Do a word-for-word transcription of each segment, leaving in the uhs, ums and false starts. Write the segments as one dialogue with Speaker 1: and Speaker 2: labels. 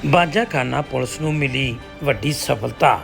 Speaker 1: Bajakhana police ਨੂੰ ਮਿਲੀ ਵੱਡੀ ਸਫਲਤਾ।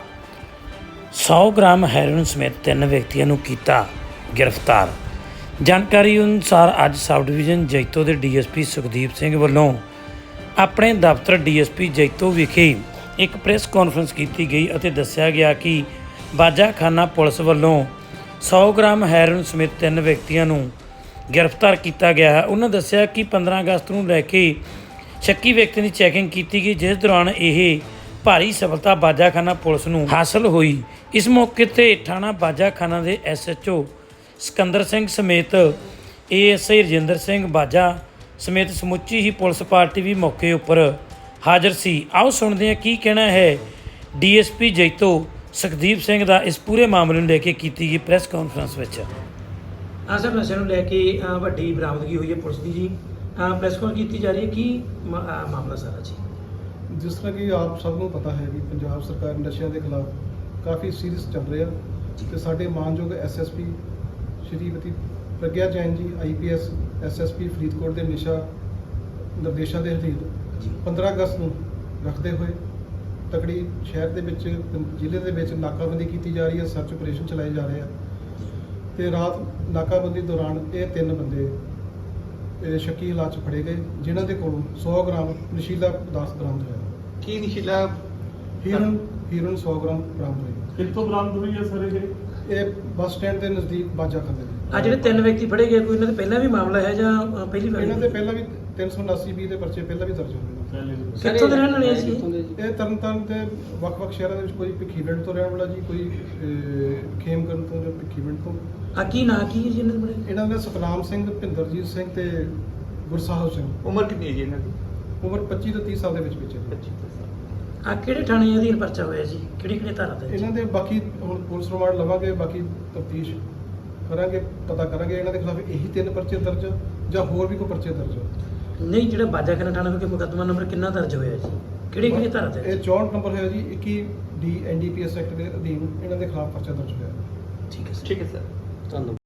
Speaker 1: ਸੌ ਗ੍ਰਾਮ ਹੈਰੋਇਨ ਸਮੇਤ ਤਿੰਨ ਵਿਅਕਤੀਆਂ ਨੂੰ ਕੀਤਾ ਗ੍ਰਿਫਤਾਰ। ਜਾਣਕਾਰੀ ਅਨੁਸਾਰ ਅੱਜ ਸਬ ਡਿਵੀਜ਼ਨ ਜੈਤੋ ਦੇ D S P Sukhdeep Singh ਵੱਲੋਂ ਆਪਣੇ ਦਫ਼ਤਰ ਡੀ ਐਸ ਪੀ ਜੈਤੋ ਵਿਖੇ ਇੱਕ ਪ੍ਰੈਸ ਕਾਨਫਰੰਸ ਕੀਤੀ ਗਈ ਅਤੇ ਦੱਸਿਆ ਗਿਆ ਕਿ ਬਾਜਾਖਾਨਾ ਪੁਲਿਸ ਵੱਲੋਂ ਸੌ ਗ੍ਰਾਮ ਹੈਰੋਇਨ ਸਮੇਤ ਤਿੰਨ ਵਿਅਕਤੀਆਂ ਨੂੰ ਗ੍ਰਿਫਤਾਰ ਕੀਤਾ ਗਿਆ ਹੈ। ਉਹਨਾਂ ਦੱਸਿਆ ਕਿ ਪੰਦਰਾਂ ਅਗਸਤ ਨੂੰ ਲੈ ਕੇ ਸ਼ੱਕੀ ਵਿਅਕਤੀ ਦੀ ਚੈਕਿੰਗ ਕੀਤੀ ਗਈ, ਜਿਸ ਦੌਰਾਨ ਇਹ ਭਾਰੀ ਸਫਲਤਾ ਬਾਜਾਖਾਨਾ ਪੁਲਿਸ ਨੂੰ ਹਾਸਲ ਹੋਈ। ਇਸ ਮੌਕੇ ਤੇ ਥਾਣਾ ਬਾਜਾਖਾਨਾ ਦੇ S H O Sikandar Singh ਸਮੇਤ A S I Rajinder Singh ਬਾਜਾ ਸਮੇਤ ਸਮੁੱਚੀ ਹੀ ਪੁਲਿਸ ਪਾਰਟੀ ਵੀ ਮੌਕੇ ਉੱਪਰ ਹਾਜ਼ਰ ਸੀ। ਆਓ ਸੁਣਦੇ ਹਾਂ ਕੀ ਕਹਿਣਾ ਹੈ D S P Jaito Sukhdeep Singh ਦਾ ਇਸ ਪੂਰੇ ਮਾਮਲੇ ਨੂੰ ਲੈ ਕੇ ਕੀਤੀ ਗਈ ਪ੍ਰੈਸ ਕਾਨਫਰੰਸ ਵਿੱਚ।
Speaker 2: ਹਾਂ ਸਰ, ਨਸ਼ੇ ਨੂੰ ਲੈ ਕੇ ਅ, ਵੱਡੀ ਬਰਾਮਦਗੀ ਹੋਈ ਹੈ ਪੁਲਿਸ ਦੀ ਜੀ। ਪ੍ਰੈਸ ਕਾਲ ਕੀਤੀ ਜਾ ਰਹੀ ਹੈ, ਕੀ ਮ- ਅ, ਮਾਮਲਾ ਸਾਰਾ ਜੀ?
Speaker 3: ਜਿਸ ਤਰ੍ਹਾਂ ਕਿ ਆਪ ਸਭ ਨੂੰ ਪਤਾ ਹੈ ਕਿ ਪੰਜਾਬ ਸਰਕਾਰ ਨਸ਼ਿਆਂ ਦੇ ਖਿਲਾਫ ਕਾਫੀ ਸੀਰੀਅਸ ਚੱਲ ਰਿਹਾ ਤੇ ਸਾਡੇ ਮਾਨਯੋਗ S S P Shrimati Pragya Jain ji I P S S S P Faridkot ਦੇ ਨਿਸ਼ਾ ਨਿਰਦੇਸ਼ਾਂ ਦੇ ਅਧੀਨ ਪੰਦਰਾਂ ਅਗਸਤ ਨੂੰ ਰੱਖਦੇ ਹੋਏ ਤਕੜੀ ਸ਼ਹਿਰ ਦੇ ਵਿੱਚ ਜ਼ਿਲ੍ਹੇ ਦੇ ਵਿੱਚ ਨਾਕਾਬੰਦੀ ਕੀਤੀ ਜਾ ਰਹੀ ਹੈ, ਸਰਚ ਆਪਰੇਸ਼ਨ ਚਲਾਏ ਜਾ ਰਹੇ ਆ ਤੇ ਰਾਤ ਨਾਕਾਬੰਦੀ ਦੌਰਾਨ ਇਹ ਤਿੰਨ ਬੰਦੇ ਇਹ ਸ਼ੱਕੀ ਹਾਲਾਤ 'ਚ ਫੜੇ ਗਏ, ਜਿਨ੍ਹਾਂ ਦੇ ਕੋਲੋਂ ਸੌ ਗ੍ਰਾਮ ਨਸ਼ੀਲਾ ਪਦਾਰਥ ਬਰਾਮਦ ਹੋਇਆ।
Speaker 4: ਕੀ ਨਸ਼ੀਲਾ
Speaker 3: ਹੀਰੋਇਨ ਹੀਰੋਇਨ ਸੌ ਗ੍ਰਾਮ ਬਰਾਮਦ ਹੋਈ।
Speaker 4: ਕਿੱਥੋਂ ਬਰਾਮਦ ਹੋਈ ਹੈ ਸਰ ਇਹ?
Speaker 3: ਇਹ ਬੱਸ ਸਟੈਂਡ ਦੇ ਨਜ਼ਦੀਕ ਬਾਜਾਖਾਨੇ ਦੇ।
Speaker 2: ਆ ਜਿਹੜੇ ਤਿੰਨ ਵਿਅਕਤੀ ਫੜੇ ਗਏ, ਕੋਈ ਇਹਨਾਂ ਦੇ ਪਹਿਲਾਂ ਵੀ ਮਾਮਲਾ ਹੈ ਜਾਂ ਅ, ਪਹਿਲੀ ਵਾਰ?
Speaker 3: ਇਹਨਾਂ ਦੇ ਪਹਿਲਾਂ ਵੀ ਤਿੰਨ ਸੌ ਉਨਾਸੀ ਬੀ ਦੇ ਪਰਚੇ ਪਹਿਲਾਂ ਵੀ ਦਰਜ ਹੋਏ ਨੇ।
Speaker 2: ਕਿੱਥੋਂ ਦੇ ਰਹਿਣ ਵਾਲੇ ਸੀ?
Speaker 3: ਇਹ ਤਰਨਤਾਰਨ ਦੇ ਵੱਖ-ਵੱਖ ਸ਼ਹਿਰਾਂ ਦੇ ਵਿੱਚ ਕੋਈ ਭਿੱਖੀਵਿੰਡ ਤੋਂ ਰਹਿਣ ਵਾਲਾ ਜੀ, ਕੋਈ ਅਹ, ਖੇਮਕਰਨ ਤੋਂ ਜਾਂ ਭਿੱਖੀਵਿੰਡ ਤੋਂ।
Speaker 2: ਆ ਕੀ ਨਾਂ ਕੀ ਹੈ ਜੀ ਇਹਨਾਂ ਦੇ ਬੜੇ?
Speaker 3: ਇਹਨਾਂ ਦੇ ਸਤਨਾਮ ਸਿੰਘ, ਭਿੰਦਰਜੀਤ ਸਿੰਘ ਤੇ ਗੁਰਸਾਹਿਬ ਸਿੰਘ।
Speaker 4: ਉਮਰ ਕਿੰਨੀ ਹੈ ਜੀ ਇਹਨਾਂ ਦੀ?
Speaker 3: ਉਮਰ ਪੱਚੀ ਤੋਂ ਤੀਹ ਸਾਲ ਦੇ ਵਿੱਚ ਵਿੱਚ ਹੈ।
Speaker 4: ਪੱਚੀ ਤੋਂ ਸਾਲ।
Speaker 2: ਆ ਕਿਹੜੇ ਥਾਣੇ ਅਧੀਨ ਪਰਚਾ ਹੋਇਆ ਜੀ? ਕਿਹੜੀ ਕਿਹੜੀ ਧਾਰਾ ਤੇ?
Speaker 3: ਇਹਨਾਂ ਦੇ ਬਾਕੀ ਹੁਣ ਪੁਲਿਸ ਰਿਮਾਂਡ ਲਵਾਂਗੇ, ਬਾਕੀ ਤਫਤੀਸ਼ ਕਰਾਂਗੇ, ਪਤਾ ਕਰਾਂਗੇ ਇਹਨਾਂ ਦੇ ਖਿਲਾਫ ਇਹੀ ਤਿੰਨ ਪਰਚੇ ਦਰਜ ਜਾਂ ਹੋਰ ਵੀ ਕੋਈ ਪਰਚੇ ਦਰਜ ਆ।
Speaker 2: ਨਹੀਂ, ਜਿਹੜਾ ਬਾਜਾਖਾਨਾ ਥਾਣਾ ਵਿਖੇ ਮੁਕੱਦਮਾ ਨੰਬਰ ਕਿੰਨਾ ਦਰਜ ਹੋਇਆ ਜੀ? ਕਿਹੜੀ ਕਿਹੜੀ ਧਾਰਾ ਤੇ?
Speaker 3: ਇਹ ਚੌਂਹਠ ਨੰਬਰ ਹੈ ਜੀ, ਇੱਕੀ D N D P S act ਦੇ ਅਧੀਨ ਇਹਨਾਂ ਦੇ ਖਿਲਾਫ ਪਰਚਾ ਦਰਜ ਹੋਇਆ।
Speaker 2: ਠੀਕ ਹੈ ਸਰ।
Speaker 4: ਠੀਕ ਹੈ ਸਰ,
Speaker 2: ਧੰਨਵਾਦ।